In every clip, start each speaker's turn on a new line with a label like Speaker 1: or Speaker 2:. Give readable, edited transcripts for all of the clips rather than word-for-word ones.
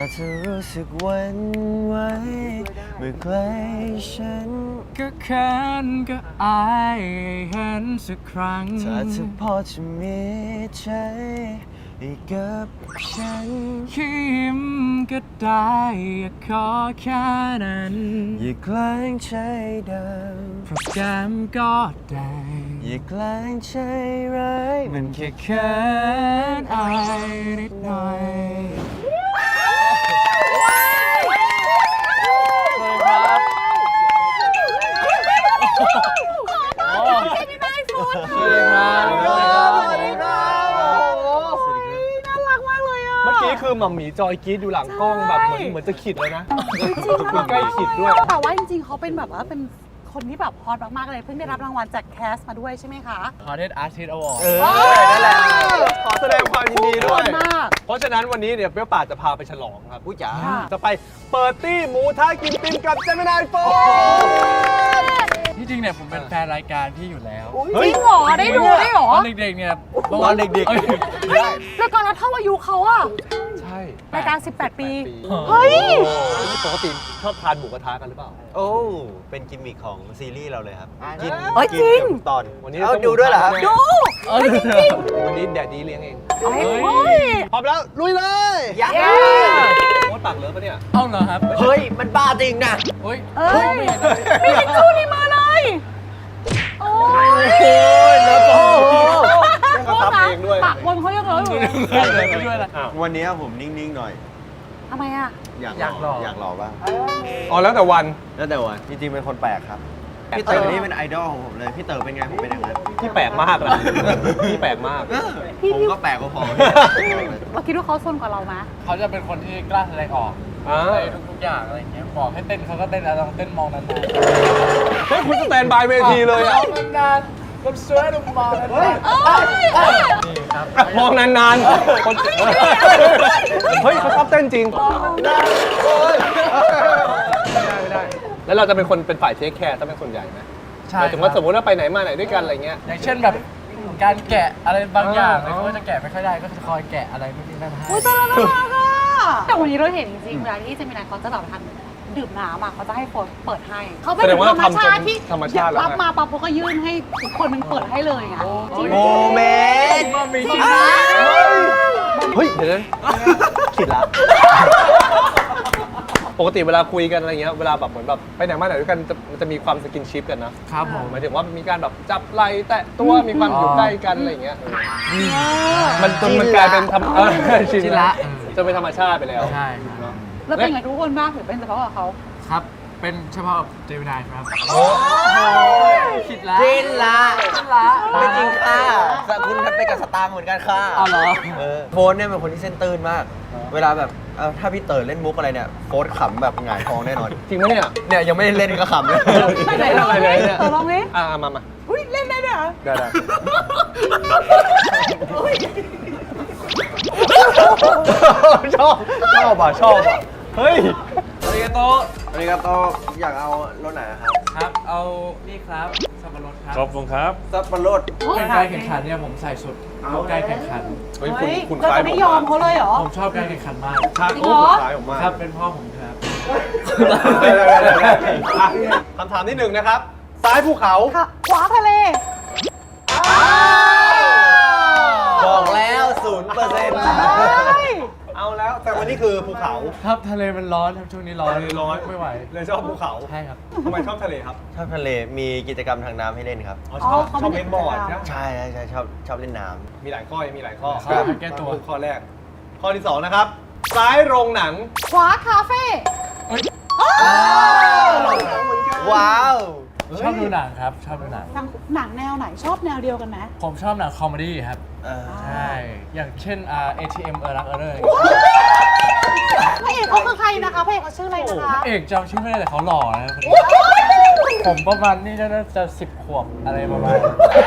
Speaker 1: จะรู้สึกหวันไหวเมื่อใกล้ฉัน
Speaker 2: ก็เขินก็อายเห็นสักครั้ง
Speaker 1: ถ้าเธอพอจะมีใจให้กับฉัน
Speaker 2: ยิ้มก็ได้อยากขอแค่นั้น
Speaker 1: อย่าแกล้งใจด
Speaker 2: เพราะแก้มก็ได้
Speaker 1: ำอย่าแกล้งใจร้ายมันแค่
Speaker 2: เขินอายนิดหน่อย
Speaker 3: สวัสดีครับน่ารักมากเลยอ่ะ
Speaker 4: เมื่อกี้คือหม่ำหมีจอยกรี๊ดอยู่หลังกล้องแบบเหมือนจะขิดเลยนะคือใกล้ขิดด้วย
Speaker 3: แต่ว่าจริงๆเขาเป็นแบบว่าเป็นคนที่แบบฮอตมากๆเลยเพิ่งได้รับรางวัลจากแคสมาด้วยใช่ไหมคะ
Speaker 2: Hottest Artist Award
Speaker 1: นั่นแหละ
Speaker 4: ขอแสดงความยินดีด้วย
Speaker 3: มาก
Speaker 4: เพราะฉะนั้นวันนี้เนี่ยเปรี้ยวปากจะพาไปฉลองครับ
Speaker 1: ผู้จ๋า
Speaker 4: จะไปเปิดตี้หมูท้ากินติมกับเจมินายโฟน
Speaker 2: ที่จริงเนี่ยผมเป็นแฟนรายการพี่อยู่แล้ว
Speaker 3: จริงเหรอได้ดูได้เหรอ
Speaker 2: ตอนเด็กๆเนี่ย
Speaker 1: ตอนเด็ก
Speaker 3: เฮ้ยแล้วก่อนเราเท่าอายุเขาอะ
Speaker 4: ใช่
Speaker 3: รายการ 18 ปี
Speaker 4: เฮ้ยปกติชอบทานหมูกระทะกันหรือเปล่า
Speaker 1: โอ้เป็นกิมมิคของซีรีส์เราเลยครับกิน
Speaker 3: เอ้ยจริง
Speaker 1: เกือบตอน
Speaker 4: วันนี้
Speaker 1: เอาดูด้วยเหรอครับ
Speaker 3: ดู
Speaker 4: วันนี้แดดดีเลี้ยงเอง
Speaker 3: เฮ้ย
Speaker 4: พร้อมแล้วลุยเลย
Speaker 1: ยักษ์
Speaker 4: โคตรปากเลิฟปะเนี่ย
Speaker 2: เอ้าเหรอครับ
Speaker 1: เฮ้ยมันบ้าจริงนะ
Speaker 2: เฮ้ย
Speaker 3: เอ้ย
Speaker 2: ไม่เห็นเลย
Speaker 3: มีทิชชู่ในมือเลยโอ้ย
Speaker 1: แล้วก็
Speaker 4: เขาทำเองด้วย
Speaker 3: ปากบนเขายังเหลืออยู่เลย
Speaker 2: ไม่ด้วยละ
Speaker 4: อ้าว
Speaker 1: วันนี้ผมนิ่งๆหน่อย
Speaker 3: ทำไมอะ
Speaker 1: อยากหล่อบ้าง
Speaker 4: อ๋อแล้วแต่วัน
Speaker 1: แล้วแต่ว่าจริงๆเป็นคนแปลกครับพี่เต๋อนี่เป็นไอดอลของผมเลยพี่เต๋อเป็นไงผมเป็นอย่างนั้น
Speaker 4: พี่แปลกมากนะพี่แปลกมาก
Speaker 1: ผมก็แปลกกว่าพอ
Speaker 3: เราคิดว่าเขาซนกว่าเราไหม
Speaker 2: เขาจะเป็นคนที่กล้าแสดงออก
Speaker 4: อ่า
Speaker 2: ในทุกๆอย่างอะไรอย่างเงี้ยบอกให้เต้นเขาก็เต้นแล้วต้องเต้นมองนาน
Speaker 4: เฮ้ยคุณสแตนบายเว
Speaker 2: ๆ
Speaker 4: ทีเลยอะ
Speaker 2: มองนานๆคนสวยดูมองนานๆนี่ครับ
Speaker 4: มองนานๆคนเฮ้ยเขาชอบเต้นจริงไม่ได้ แล้วเราจะเป็นคนเป็นฝ่ายเทคแคร์ถ้าเป็นส่วนใหญ่ไหม
Speaker 2: ใช่
Speaker 4: หมายถึงว่าสมมติว่าไปไหนมาไหนด้วยกันอะไรเงี้ย
Speaker 2: อย่างเช่นแบบการแกะอะไรบางอย่างเลยเขาก็จะแกะไม่ค่อยได้ก็จะคอยแกะอะไรนู่นนี่นั่นให้
Speaker 3: อุ้ยตายแล้วน่ารักอ่ะแต่วันนี้เราเห็นจริงๆเวลาที่เจมินายเขาจะแบบทำดื่มน้ำอ่ะเขาจะให้โฟนเปิดให้เขาเป็น
Speaker 4: แสดงว่า
Speaker 3: ธรรมชาติที่
Speaker 4: ธรรมชาติแล้ว
Speaker 3: รับมาปั๊บเขาก็ยื่นให้ทุกคนมันเปิดให้เลยไงจริง
Speaker 1: โมเมนต์
Speaker 2: ว่ามีจริง
Speaker 4: เฮ้ยเดี๋ยวนะขิดละปกติเวลาคุยกันอะไรเงี้ยเวลาแบบเหมือนแบบไปไหนมาไหนด้วยกันมันจะมีความสกินชิปกันนะครับ
Speaker 2: ผม
Speaker 4: หมายถึงว่ามีการแบบจับไหล่แตะตัวมีความอยู่ใกล้กันอะไรเงี้ยมันจนมันกลายเป็นธรรมชินละจะเป็นธรรมชาติไปแล้ว
Speaker 2: ใช่ครับ
Speaker 3: แล้วเป็นไงทุกคนบ้างหรือเป็นเฉพาะกับเขา
Speaker 2: ครับ เป็นเฉพาะเจมินายครับ
Speaker 1: โอ้
Speaker 2: คิดละ
Speaker 1: จินละ
Speaker 2: คิดละ
Speaker 1: ไม่จริงค่ะคุณไปกับสตางค์เหมือนกันค่ะ
Speaker 2: อ๋อเหรอ
Speaker 1: โฟนเนี่ยเป็นคนที่เส้นตื้นมาก เวลาแบบถ้าพี่เต๋อเล่นมุกอะไรเนี่ยโฟนขำแบบหงายท้องแน่นอน
Speaker 4: จริงไหมเนี่ย
Speaker 1: เนี่ยยังไม่ได้เล่นก็ขำเลย
Speaker 4: ไม่ได้อะไรเลยเนี่ย
Speaker 3: ลองดิ
Speaker 4: มา
Speaker 3: อุ้ยเล่นได้ด้วยเหรอ
Speaker 4: ได้ชอบเฮ้ย
Speaker 2: สวัสดีครับโต
Speaker 1: สวัสดีครับโตอยากเอารถไหนครับ
Speaker 2: ครับ เอานี่ครับสับปะรดครับ
Speaker 5: ขอบคุณครับ
Speaker 1: ซับปะรด
Speaker 2: เป็นการแข่งขันเนี่ยผมใส่สุดเข้าใกล้แข่งขัน
Speaker 4: เฮ้ย
Speaker 3: เฮ้ย
Speaker 4: คุณ
Speaker 3: เรา
Speaker 4: คล้าย
Speaker 3: จะไม่ยอมเขาเลยเหรอ
Speaker 2: ผมชอบการแข่งขันมาก
Speaker 4: คล้าย
Speaker 3: จริงเหรอ
Speaker 4: คล้ายผมมาก
Speaker 2: ครับ เป็นพ่อผมครับ
Speaker 4: คำถามที่หนึ่งนะครับ ซ้ายภูเขา
Speaker 3: ค่ะขวาทะเล
Speaker 1: บอกแล้ว0%
Speaker 4: เอาแล้วแต่วันนี้คือภูเขา
Speaker 2: ครับทะเลมันร้อนครับช่วงนี้ร้อน
Speaker 4: ร้อน
Speaker 2: ไม่ไหว
Speaker 4: เลยชอบภูเขา
Speaker 2: ใช่ครับ
Speaker 4: ทำไมชอบทะเลครับ
Speaker 1: ชอบทะเลมีกิจกรรมทางน้ำให้เล่นครับ
Speaker 4: อ๋อชอบ
Speaker 3: เขา
Speaker 4: ชอบ
Speaker 3: เป็
Speaker 4: เล่
Speaker 3: น
Speaker 4: นบอร์ด
Speaker 3: กิจกรรม
Speaker 4: นะ
Speaker 1: ใช่ชอบเล่นน้
Speaker 4: มีหลายข้อมีหลายข้อ
Speaker 2: ครับแก้ตัว
Speaker 4: ข้อแรก ข้อที่สองนะครับ ซ้ายโรงหนัง
Speaker 3: ขวาคาเฟ่
Speaker 1: ำว้าว
Speaker 2: ชอบดูหนังครับ ชอบดูหนัง
Speaker 3: หนังแนวไหนชอบแนวเดียวกันไหม
Speaker 2: ผมชอบหนังคอมเมดี้ครับ
Speaker 1: เออ
Speaker 2: ใช่ อย่างเช่นATM รักเลย
Speaker 3: พระเอกเขาคือใครนะคะพระเอกเขาชื่ออะไรนะคะ
Speaker 2: เอกจำชื่อไม่ได้แต่เขาหล่อนะคนนี้ผมประมาณนี่น่าจะ10 ขวบอะไรประมาณ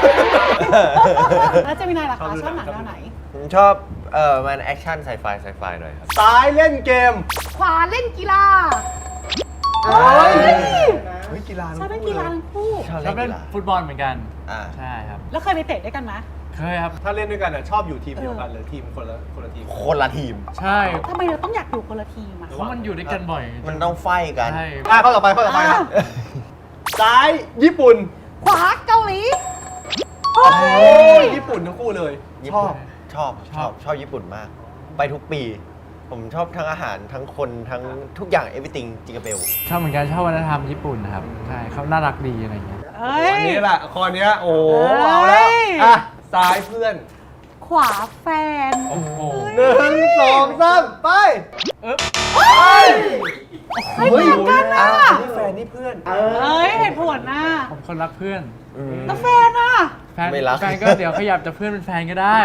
Speaker 3: แล้วเจมินายล่ะคะชอบหนังแนวไหน
Speaker 1: ผมชอบมันแอคชั่นไซไฟหน่อยครับ
Speaker 4: ซ้ายเล่นเกม
Speaker 3: ขวาเล่นกีฬา
Speaker 4: เฮ้ยกีฬา
Speaker 3: ชอบเล่นกีฬาทั้งคู่
Speaker 1: ชอบ
Speaker 2: ชอบ
Speaker 1: เล่
Speaker 2: เล่
Speaker 1: น
Speaker 2: น
Speaker 1: กีฬา
Speaker 2: ฟุตบอลเหมือนกัน
Speaker 1: อ่า
Speaker 2: ใช่ครับ
Speaker 3: แล้วเคยไปเตะด้วยกันไหม
Speaker 2: เคยครับ
Speaker 4: ถ้าเล่นด้วยกันชอบอยู่ทีมเดียวกันหรือทีมคนละทีม
Speaker 1: คนละทีม
Speaker 2: ใช่
Speaker 3: ทำไมเราต้องอยากอยู่คนละทีมอ่ะ
Speaker 2: เพราะมันอยู่ด้วยกันบ่อย
Speaker 1: มันต้องไฟกัน
Speaker 2: ใช่
Speaker 4: ข้อต่อไปนะซ้ายญี่ปุ่น
Speaker 3: ขวาเกาหลี
Speaker 4: โอ้ยญี่ปุ่นทั้งคู่เลย
Speaker 1: ชอบชอบญี่ปุ่นมาก ไปทุกปี ผมชอบทั้งอาหารทั้งคนทั้งทุกอย่าง everything จิงกาเบล
Speaker 2: ชอบเหมือนกันชอบวัฒนธรรมญี่ปุ่นนะครับใช่เขาน่ารักดีอะไรเงี้ย
Speaker 3: เอ้ย
Speaker 4: อันนี้แหละข้อเนี้ยโอ้โห
Speaker 3: เอ้ย
Speaker 4: เอาแล้วอ่ะซ้ายเพื่อน
Speaker 3: ขวาแฟน
Speaker 2: โอ้โห
Speaker 4: 1 2 3ไป
Speaker 3: เฮ้ยเหมือนกันนะ
Speaker 4: นี่แฟนนี่เพื่อน
Speaker 3: เอ้ยเหตุผลนะ
Speaker 2: ผมคนรักเพื่อน
Speaker 3: แล้วแฟนอ่ะ
Speaker 2: แฟน
Speaker 1: ไม่รัก
Speaker 2: แฟนก็เดี๋ยวขยับจากเพื่อนเป็นแฟนก็ได้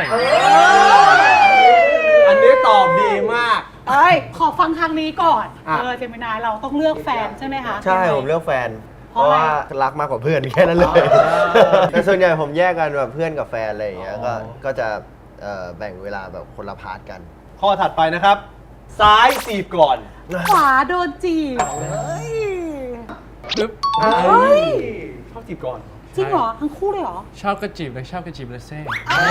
Speaker 4: อันนี้ตอบดีมาก
Speaker 3: เอ้ย ขอฟังทางนี้ก่อน
Speaker 4: อ่ะ
Speaker 3: เจมินายเราต้องเลือกแฟนใช่ไหมคะ
Speaker 1: ใช่ ผมเลือกแฟน
Speaker 3: เพ
Speaker 1: เพ
Speaker 3: ราะ
Speaker 1: ราะ
Speaker 3: อะไร
Speaker 1: ว่ารักมากกว่าเพื่อนแค่นั้นเลย แต่ส่วนใหญ่ผมแยกกันแบบเพื่อนกับแฟนอะไรอย่างเงี้ยก็จะแบ่งเวลาแบบคนละพาร์ทกัน
Speaker 4: ข้อถัดไปนะครับ ซ้ายจีบก่อน
Speaker 3: ขวาโดนจีบเฮ้ย
Speaker 2: ปึ๊บ
Speaker 3: เฮ้ย
Speaker 4: ชอบจีบก่อน
Speaker 3: จริงเหรอ ทั้งคู่เลยเหรอ
Speaker 2: ชอบกระจีบเลยชอบกระจีบเลยเซ่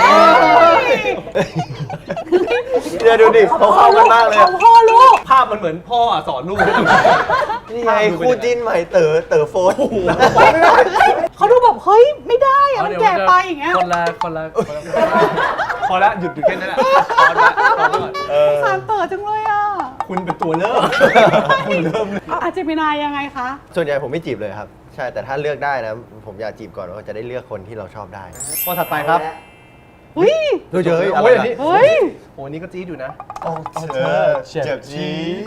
Speaker 1: เดี๋ยวดูดิเขาเข้ากันมากเลย
Speaker 3: เขาพ่อลูก
Speaker 4: ภาพมันเหมือนพ่อสอนลูก
Speaker 1: นี่ไงคู่จิ้นใหม่เต๋อโฟน
Speaker 3: เขาดูแบบเฮ้ย ไม่ได้อะมันแก่ไปอย่างเงี้ย
Speaker 2: คนละ
Speaker 4: พอแล้วหยุดแค่นั้นแหละพอแล้วพอก่อน
Speaker 3: สารเต๋อจังเลยอ่ะ
Speaker 4: คุณเป็นตัวเริ่ม คุณเริ่มเลย
Speaker 3: อาเจมินายยังไงคะ
Speaker 1: ส่วนใหญ่ผมไม่จีบเลยครับ ใช่แต่ถ้าเลือกได้นะ ผมอยากจีบก่อนว่าจะได้เลือกคนที่เราชอบได้
Speaker 4: ข้อถัดไปครับ
Speaker 3: เฮ้ย
Speaker 1: เฮ้ยอะไร
Speaker 4: โอ้ยอัน
Speaker 1: ล่ะ
Speaker 4: นี้
Speaker 3: เฮ้ย
Speaker 4: โอ้นี่ก็จี๊ดอยู่นะ
Speaker 1: เจ็บจี๊ด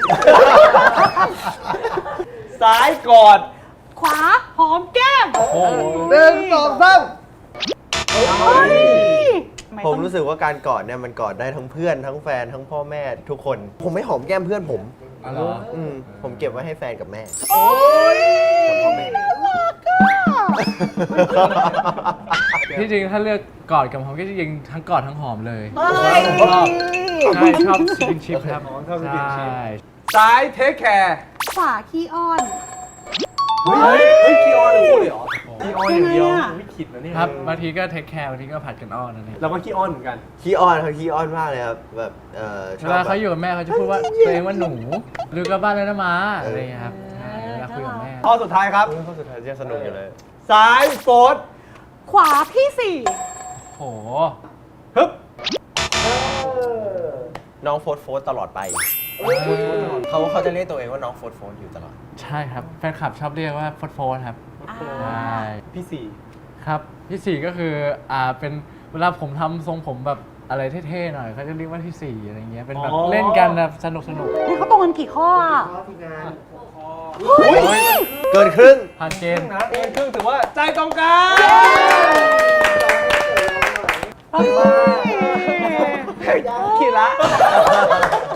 Speaker 4: ซ้ายกอด
Speaker 3: ขวาหอมแก้ม
Speaker 2: โอ้โห
Speaker 4: 1 2 3
Speaker 3: เฮ้ย
Speaker 1: ผมรู้สึกว่าการกอดเนี่ยมันกอดได้ทั้งเพื่อนทั้งแฟนทั้งพ่อแม่ทุกคน ผมไม่หอมแก้มเพื่อนผม
Speaker 2: อ๋อเหรอ
Speaker 1: ผมเก็บไว้ให้แฟนกับแม่
Speaker 3: โอ้ย
Speaker 1: กับพ่อแม่
Speaker 3: น่ารักอะ
Speaker 2: ที่จริงถ้าเลือกกอดกับหอมก็จริงทั้งกอดทั้งหอมเลย
Speaker 3: เฮ้ย
Speaker 2: ชอบใช่ชอบสกินชิพครับ
Speaker 4: ชอบสกินชิป
Speaker 2: ใช่
Speaker 4: ซ้ายเทคแคร์
Speaker 3: ขวาขี้อ้อน
Speaker 4: เฮ้ยคีออนทั้งคู่เลยเหรอคีออนอย่างเดียว
Speaker 3: ยังไงอะ
Speaker 4: ไม่คิดนะเนี่ย
Speaker 2: ครับบางทีก็เทคแคร์บางทีก็ผัดกันอ้อนนั่นเอง
Speaker 4: เราก็คีออนเหมือนกัน
Speaker 1: ขี้อ้อนเขาขี้อ้อนมากเลยครับแบบช
Speaker 2: เว
Speaker 1: อบ
Speaker 2: ลา
Speaker 1: แบ
Speaker 2: เขา
Speaker 1: บ
Speaker 2: อยู่กับแม่เขาจะพูดว่าตัวเองว่าหนูหรือกลับบ้านแล้วนะม้าอะไรอย่างเงี้ยครับใช่เวลาคุยกับแม่
Speaker 4: ข้อสุดท้ายครับ
Speaker 1: ข้อสุดท้ายจะสนุกอยู่เลย
Speaker 4: ซ้ายโฟร์ธ
Speaker 3: ขวาพี่สี่
Speaker 2: โห
Speaker 4: ฮึบ
Speaker 1: น้องโฟร์ตลอดไปเขาจะเรียกตัวเองว่าน้องโฟร์อยู่ตลอด
Speaker 2: ใช่ครับแฟนคลับชอบเรียกว่าโฟร์โฟร์ครับ
Speaker 3: อ่า
Speaker 2: ใช่
Speaker 4: พี่สี่
Speaker 2: ครับที่สี่ก็คือเป็นเวลาผมทำทรงผมแบบอะไรเท่ๆหน่อยเขาจะเรียกว่าที่สี่อะไรเงี้ยเป็นแบบเล่นกันแบบสนุก
Speaker 3: นี่เขาตรงกันกี่ข้ออ่ะ
Speaker 1: เกินครึ่ง
Speaker 2: ผ่านเกณฑ์
Speaker 4: นะเกินครึ่งถือว่าใจตรงกัน
Speaker 3: เฮ้ย
Speaker 4: ขีดละ